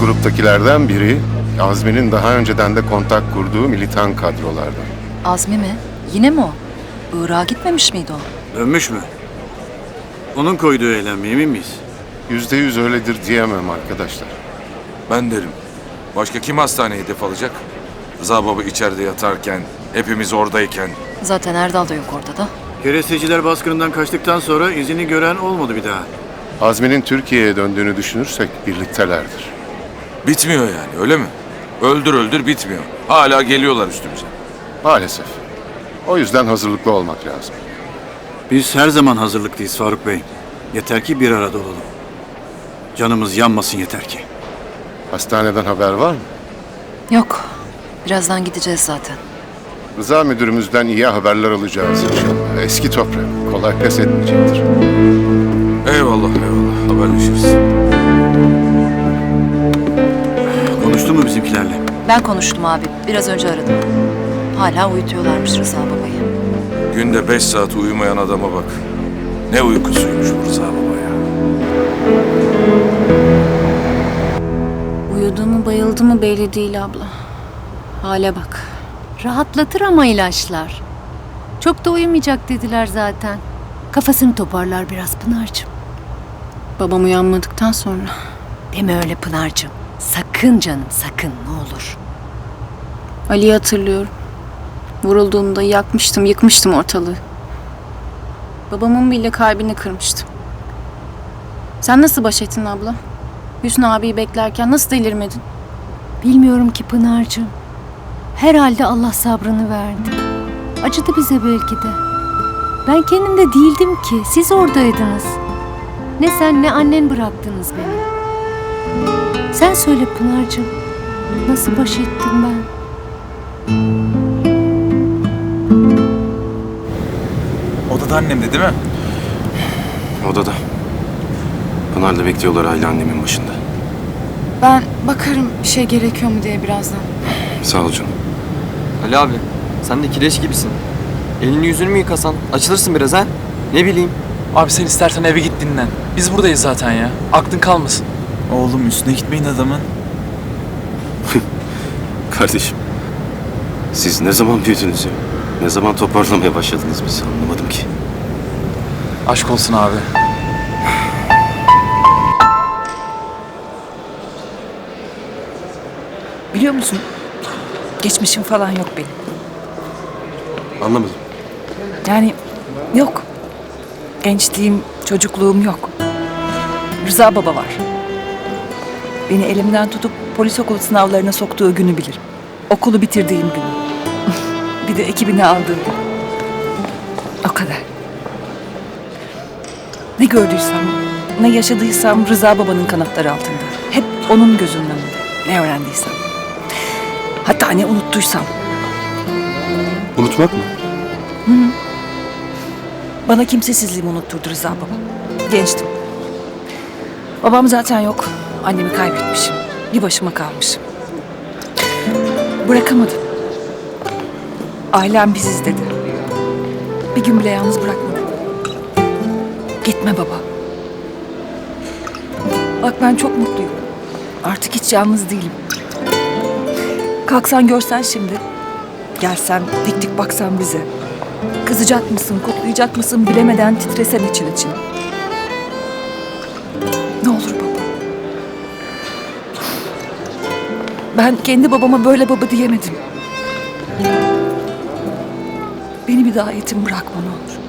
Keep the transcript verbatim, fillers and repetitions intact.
gruptakilerden biri Azmi'nin daha önceden de kontak kurduğu militan kadrolardan. Azmi mi? Yine mi o? Irak'a gitmemiş miydi o? Dönmüş mü? Onun koyduğu eylem mi, emin miyiz? Yüzde yüz öyledir diyemem arkadaşlar. Ben derim. Başka kim hastaneye hedef alacak? Rıza baba içeride yatarken, hepimiz oradayken. Zaten Erdal da yok ortada. Keresteciler baskınından kaçtıktan sonra izini gören olmadı bir daha. Azmi'nin Türkiye'ye döndüğünü düşünürsek birliktelerdir. Bitmiyor yani, öyle mi? Öldür öldür bitmiyor. Hala geliyorlar üstümüze. Maalesef. O yüzden hazırlıklı olmak lazım. Biz her zaman hazırlıklıyız Faruk Bey. Yeter ki bir arada olalım. Canımız yanmasın yeter ki. Hastaneden haber var mı? Yok. Birazdan gideceğiz zaten. Rıza müdürümüzden iyi haberler alacağız inşallah. Eski toprak. Kolay pes etmeyecektir. Eyvallah eyvallah, haberleşiriz. Konuştu mu bizimkilerle? Ben konuştum abi. Biraz önce aradım. Hala uyutuyorlarmış Rıza babayı. Günde beş saat uyumayan adama bak. Ne uykusuymuş bu Rıza baba ya. Uyudu mu bayıldı mı belli değil abla. Hale bak. Rahatlatır ama ilaçlar. Çok da uyumayacak dediler zaten. Kafasını toparlar biraz Pınar'cığım. Babam uyanmadıktan sonra. Deme öyle Pınar'cığım. Sakın canım sakın ne olur. Ali'yi hatırlıyorum. Vurulduğunda yakmıştım, yıkmıştım ortalığı. Babamın bile kalbini kırmıştım. Sen nasıl baş ettin abla? Hüsnü abiyi beklerken nasıl delirmedin? Bilmiyorum ki Pınar'cığım. Herhalde Allah sabrını verdi. Acıdı bize belki de. Ben kendimde değildim ki. Siz oradaydınız. Ne sen ne annen bıraktınız beni. Sen söyle Pınar'cığım. Nasıl baş ettim ben? Odada annemde değil mi? Odada. Pınar'la bekliyorlar aile annemin başında. Ben bakarım bir şey gerekiyor mu diye birazdan. Sağ ol canım. Ali abi, sen de kireç gibisin. Elini yüzünü mü yıkasan? Açılırsın biraz ha? Ne bileyim. Abi sen istersen eve git dinlen. Biz buradayız zaten ya. Aklın kalmasın. Oğlum üstüne gitmeyin adamın. Kardeşim. Siz ne zaman büyüdünüz ya? Ne zaman toparlamaya başladınız biz anlamadım ki. Aşk olsun abi. Biliyor musun? Geçmişim falan yok benim. Anlamadım. Yani yok. Gençliğim, çocukluğum yok. Rıza baba var. Beni elimden tutup polis okulu sınavlarına soktuğu günü bilirim. Okulu bitirdiğim günü. Bir de ekibini aldığım gün. O kadar. Ne gördüysem, ne yaşadıysam Rıza babanın kanatları altında. Hep onun gözünün önünde. Ne öğrendiysem. Hatta ne unuttuysam. Unutmak mı? Bana kimsesizliğimi unutturdu Rıza baba. Gençtim. Babam zaten yok. Annemi kaybetmişim. Bir başıma kalmışım. Bırakamadım. Ailem biziz dedi. Bir gün bile yalnız bırakmadı. Gitme baba. Bak ben çok mutluyum. Artık hiç yalnız değilim. Kalksan görsen şimdi. Gelsen dik dik baksan bize. Kızacak mısın, kutlayacak mısın bilemeden titresen için için. Ne olur baba. Ben kendi babama böyle baba diyemedim. Beni bir daha yetim bırakma ne olur.